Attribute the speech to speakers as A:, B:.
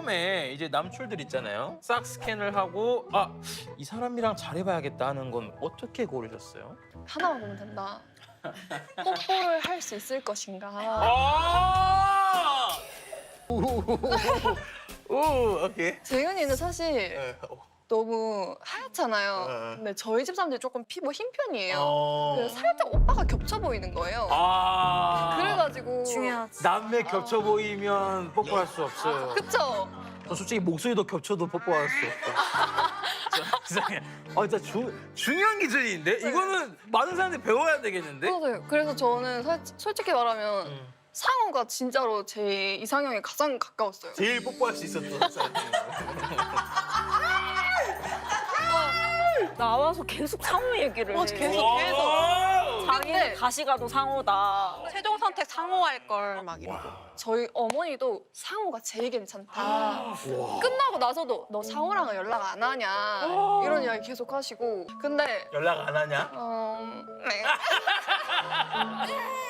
A: 처음에 이제 남출들 있잖아요. 싹 스캔을 하고 이 사람이랑 잘해봐야겠다 하는 건 어떻게 고르셨어요?
B: 하나만 보면 된다. 뽀뽀를 할 수 있을 것인가.
A: 오, 오케이.
B: 재윤이는 사실
A: 네.
B: 너무 하얗잖아요.
A: 네.
B: 근데 저희 집 사람들이 조금 피부 흰 편이에요.
A: 어.
B: 그래서 살짝 오빠가 겹쳐 보이는 거예요. 그래가지고
C: 중요하지.
A: 남매 겹쳐 보이면 뽀뽀할 수 없어요.
B: 그쵸?
A: 저 솔직히 목소리도 겹쳐도 뽀뽀할 수 없다. 이상해. 진짜 중요한 기준인데? 이거는 많은 사람들이 배워야 되겠는데?
B: 맞아요. 그래서 저는 솔직히 말하면 상호가 진짜로 제 이상형에 가장 가까웠어요.
A: 제일 뽀뽀할 수 있었던 사람.
C: 나와서 계속 상호 얘기를 해.
B: 계속.
C: 자기는
B: 근데
C: 다시 가도 상호다.
D: 최종 선택 상호할 걸 막 이러고.
B: 저희 어머니도 상호가 제일 괜찮다. 끝나고 나서도 너 상호랑 연락 안 하냐 이런 이야기 계속 하시고. 근데
A: 연락 안 하냐?
B: 네.